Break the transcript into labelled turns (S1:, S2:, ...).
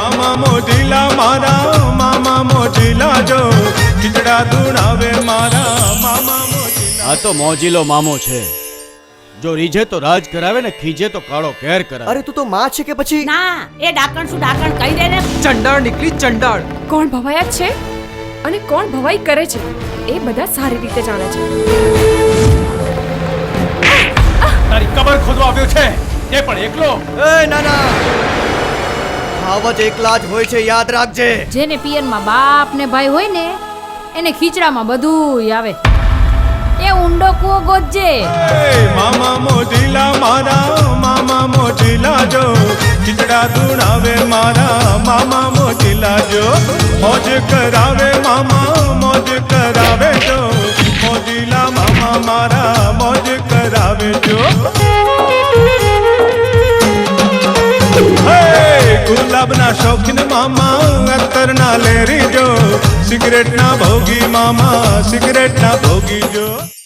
S1: મામા મોજીલા મારા મામા મોજીલા જો ખીચડા ધૂણાવે મારા મામા મોજીલા.
S2: આ તો મોજીલો મામો છે. જો રીઝે તો રાજ કરાવે ને ખીજે તો કાળો કેર કરાવે.
S3: અરે તું તો માં છે કે પછી?
S4: ના એ ડાકણ શું ડાકણ કહી દે ને.
S5: ચંડાળ નીકળી ચંડાળ.
S6: કોણ ભવાયા છે અને કોણ ભવાઈ કરે છે એ બધા સારી રીતે જાણે છે.
S2: તારી કબર ખોદવા આવ્યો છે એ પણ એકલો.
S3: એ ના ના, ખાવત એકલા જ હોય છે, યાદ રાખજે.
S4: જેને પિયરમાં બાપ ને ભાઈ હોય ને એને ખીચડામાં બધું આવે. એ ઊંડો કૂવો ગોતજે.
S1: મામા મોજીલા મારા મામા મોજીલા જો ખીચડા ધૂણાવે મારા મામા મોજીલા જો મોજ કરાવે મામા મોજ કરાવે જો મોજીલા મામા મારા મોજ કરાવે જો. ગુલાબના શોખીન મામા અત્તરના લેરી જો સિગરેટના ભોગી મામા સિગરેટના ભોગી જો.